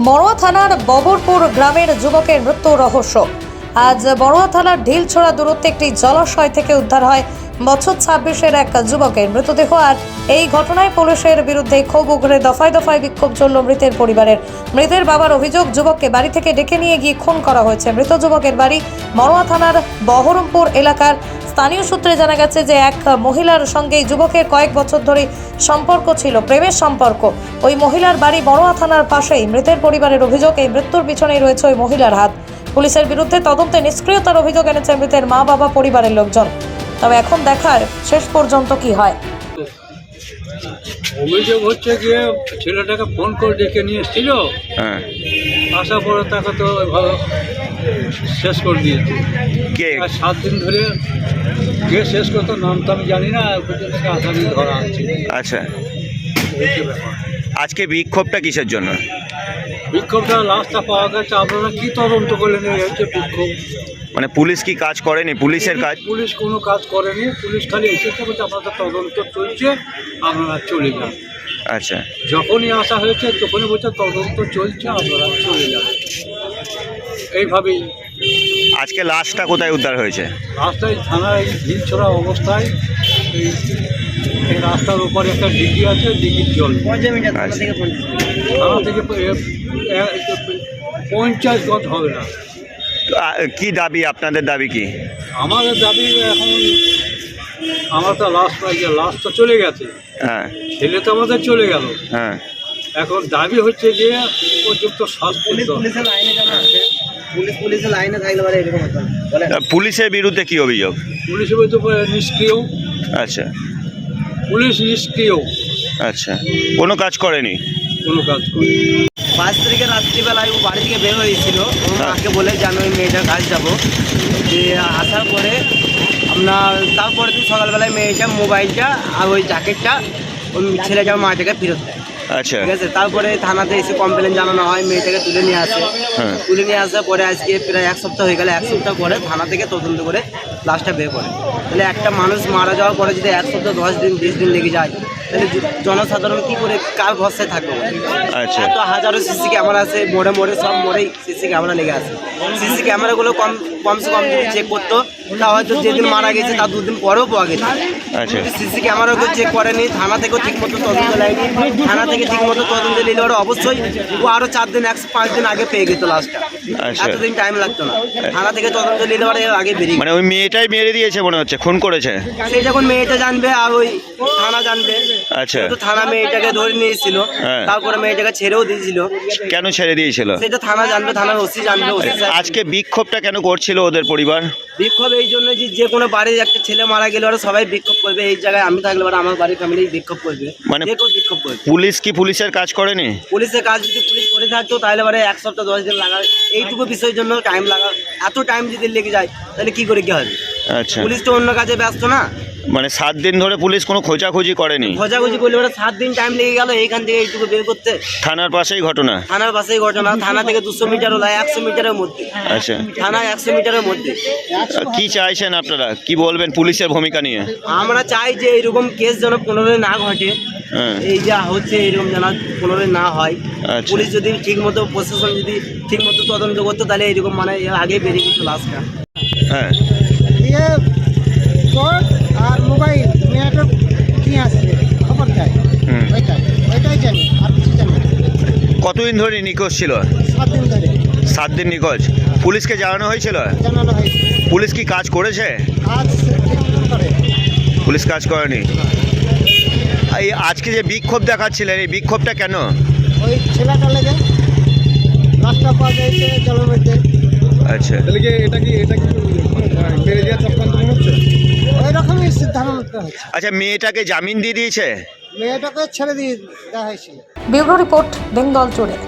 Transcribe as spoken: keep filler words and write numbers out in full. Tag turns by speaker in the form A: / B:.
A: বড়ুয়া থানার ববরপুর গ্রামের যুবকের মৃত্যু রহস্য। আজ বড়ুয়া থানার ঢিলছোড়া দূরত্বে একটি জলাশয় থেকে উদ্ধার হয় বছর ছাব্বিশের এক যুবকের মৃতদেহ। আর এই ঘটনায় পুলিশের বিরুদ্ধে ক্ষোভ উগরে দফায় দফায় বিক্ষোভ চলল মৃতের পরিবারের। মৃতের বাবার অভিযোগ, যুবককে বাড়ি থেকে ডেকে নিয়ে গিয়ে খুন করা হয়েছে। মৃত যুবকের বাড়ি বড়ুয়া থানার বহরমপুর এলাকার। স্থানীয় সূত্রে জানা গেছে যে এক মহিলার সঙ্গে যুবকের কয়েক বছর ধরে সম্পর্ক ছিল, প্রেমের সম্পর্ক। ওই মহিলার বাড়ি বড়ুয়া থানার পাশেই। মৃতের পরিবারের অভিযোগ, এই মৃত্যুর পিছনেই রয়েছে ওই মহিলার হাত। পুলিশের বিরুদ্ধে তদন্তে নিষ্ক্রিয়তার অভিযোগ এনেছে মৃতের মা বাবা, পরিবারের লোকজন। তবে এখন দেখার শেষ পর্যন্ত কি হয়।
B: অভিযোগ হচ্ছে গিয়ে ছেলেটাকে ফোন করে ডেকে নিয়ে এসেছিল,
C: হ্যাঁ,
B: আসার পরে তাকে তো ভালো শেষ করে দিয়েছে।
C: কে
B: আর সাত দিন ধরে কে শেষ করতো নাম তো আমি জানি না, আসামি ধরা আছে।
C: আচ্ছা,
B: হচ্ছে ব্যাপার।
C: আজকে বিক্ষোভটা কিসের জন্য?
B: বিক্ষোভটা লাশটা পাওয়া গেছে, আপনারা কি তদন্ত করলেন? এই হচ্ছে বিক্ষোভ।
C: মানে পুলিশ কি কাজ করেনি? পুলিশের কাজ
B: পুলিশ কোনো কাজ করেনি, পুলিশ খালি এসেছে বলছে আপনাদের তদন্ত চলছে, আপনারা চলে যান।
C: আচ্ছা,
B: যখনই আসা হয়েছে তখনই বলছে তদন্ত চলছে, আপনারা চলে যান। এইভাবেই
C: আজকে লাশটা কোথায় উদ্ধার হয়েছে?
B: রাস্তায় থানায় ঢিলছোড়া অবস্থায় এই এই রাস্তার উপরে একটা ডিগি আছে, ডিগির জল
C: আচ্ছা,
B: থানা থেকে এ- এ- পঞ্চাশ গজ হবে না।
C: তো, আ, কি দাবি? আপনাদের দাবি কি?
B: আমাদের দাবি এখন, আমার তো লাশ পাইছে, লাশ তো চলে গেছে,
C: হ্যাঁ,
B: ছেলে তো আমাদের চলে গেল।
C: হ্যাঁ,
B: এখন দাবি হচ্ছে যে উপযুক্ত শাস্তি দিতে হবে।
D: পুলিশ পুলিশের লাইনে থাকলে পারে এরকম হতো না। বলেন।
C: তা পুলিশের বিরুদ্ধে কি অভিযোগ?
B: পুলিশের বলতে নিষ্ক্রিয়,
C: আচ্ছা,
B: পুলিশ নিষ্ক্রিয়,
C: আচ্ছা, কোনো কাজ করেনি?
B: কোনো কাজ করে।
D: পাঁচ তারিখে রাত্রিবেলায় ও বাড়ি থেকে বের হয়েছিল। ও মাকে বলে যে আমি ওই মেয়েটার কাজ যাবো। যে আসার পরে আপনার তারপরে দিন সকালবেলায় মেয়েটা মোবাইলটা আর ওই জ্যাকেটটা ওই ছেলেটার মা থেকে ফেরত দেয়।
C: আচ্ছা,
D: ঠিক আছে, তারপরে থানাতে এসে কমপ্লেন জানানো হয়, মেয়েটাকে তুলে নিয়ে আসে।
C: হ্যাঁ,
D: তুলে নিয়ে আসার পরে আজকে প্রায় এক সপ্তাহ হয়ে গেল। এক সপ্তাহ পরে থানা থেকে তদন্ত করে লাশটা বের করে। তাহলে একটা মানুষ মারা যাওয়ার পরে যদি এক সপ্তাহ দশ দিন বিশ দিন লেগে যায়, তাহলে জ- জনসাধারণ কী করে কার ভরসায় থাকবে?
C: আচ্ছা,
D: এত হাজারো সিসি ক্যামেরা আছে, মোড়ে মোড়ে সব মোড়েই সিসি ক্যামেরা লেগে আছে। সিসি ক্যামেরাগুলো কম কমসে কম যদি চেক করতো, তা হয়তো যেদিন মারা গেছে তার দুদিন পরেও পাওয়া গেছে।
C: আচ্ছা,
D: সিসি ক্যামেরাকে চেক করেনি, থানা থেকেও ঠিক মতো তদন্ত নেয়নি। থানা থেকে ঠিক মতো তদন্ত নিলে ওরা অবশ্যই ও আরও চার দিন একশো পাঁচ দিন আগে পেয়ে গেত লাস্টটা।
C: আচ্ছা।
D: এতদিন টাইম লাগতো না। থানা থেকে তদন্ত নিলে ওরা এর আগে বেরিয়ে
C: মানে ওই মেয়েটাই মেরে দিয়েছে মনে হচ্ছে, খুন করেছে।
D: সেই যখন মেয়েটা জানবে আর ওই থানা জানবে।
C: আচ্ছা,
D: তো থানা মেয়েটাকে ধরে নিয়েছিল,
C: হ্যাঁ।
D: তারপরে মেয়েটাকে ছেড়েও দিয়েছিল।
C: কেন ছেড়ে দিয়েছিল?
D: সেটা থানা জানবে, থানার ওসি জানবে। ওসি সাহেব-
C: আজকে বিক্ষোভটা কেন করছিল ওদের পরিবার?
D: বিক্ষোভ এই জন্য যে যে কোনো বাড়ির একটা ছেলে মারা গেলে ওরা সবাই বিক্ষোভ করবে। এই জায়গায় আমি থাকলে ওরা আমার বাড়ির ফ্যামিলি বিক্ষোভ করবে,
C: মানে
D: যে কেউ বিক্ষোভ করবে।
C: পুলিশ কি পুলিশের কাজ করেনি?
D: পুলিশের কাজ যদি পুলিশ করে থাকতো তাহলে পরে এক সপ্তাহ দশ দিন লাগা, এইটুকু বিষয়ের জন্য টাইম লাগা। এত টাইম যদি লেগে যায় তাহলে কি করে কি হবে?
C: আচ্ছা,
D: পুলিশ তো অন্য কাজে ব্যস্ত না।
C: মানে সাত দিন ধরে পুলিশ কোনো খোঁজাখুঁজি করেনি?
D: খোঁজাখুঁজি করলে ওরা সাত দিন টাইম লেগে গেল এইখান থেকে এইটুকু বের করতে।
C: থানার পাশেই ঘটনা?
D: থানার পাশেই ঘটনা। থানা থেকে দুশো মিটার হলো, একশো মিটারের মধ্যে।
C: আচ্ছা,
D: থানা একশো মিটারের মধ্যে।
C: কি চাইছেন আপনারা? কি বলবেন পুলিশের ভূমিকা নিয়ে?
D: আমরা চাই যে এইরকম কেস যেন পুনরায় না ঘটে।
C: হ্যাঁ,
D: এই যা হচ্ছে এইরকম যেন পুনরায় না হয়।
C: আচ্ছা,
D: পুলিশ যদি ঠিক মতো, প্রশাসন যদি ঠিক মতো তদন্ত করতো তাহলে এইরকম মানে এর আগে বেরিয়ে গেতো লাশটা।
C: হ্যাঁ,
E: দিয়ে চোট আর মোবাইল মেয়েটা নিয়ে আসছে, খবর দেয়।
C: হুম।
E: ওইটাই ওইটাই জানি, আর কিছু জানি না।
C: কতদিন ধরে নিখোঁজ ছিল?
E: সাত দিন ধরে
C: সাত দিন নিখোঁজ। পুলিশকে জানানো হয়েছিল?
E: জানানো হয়েছে।
C: পুলিশ কি কাজ করেছে?
E: আজ ঠিক মতন করে
C: পুলিশ কাজ করেনি। এই আজকে যে বিক্ষোভ দেখাচ্ছিলেন, এই বিক্ষোভটা কেন?
E: ওই ছেলেটা লেগে রাস্তা পাওয়া যাইছে জলের মধ্যে।
C: আচ্ছা,
B: তাহলে কি এটা কি এটা কি মেরে দেওয়ার চক্রান্ত হচ্ছে?
E: ওই রকমই সিদ্ধান্ত নিতে হচ্ছে।
C: আচ্ছা, মেয়েটাকে জামিন দিয়ে দিয়েছে?
E: মেয়েটাকে ছেড়ে দিয়ে দেওয়া হয়েছিল।
A: Bureau report, Bengal today.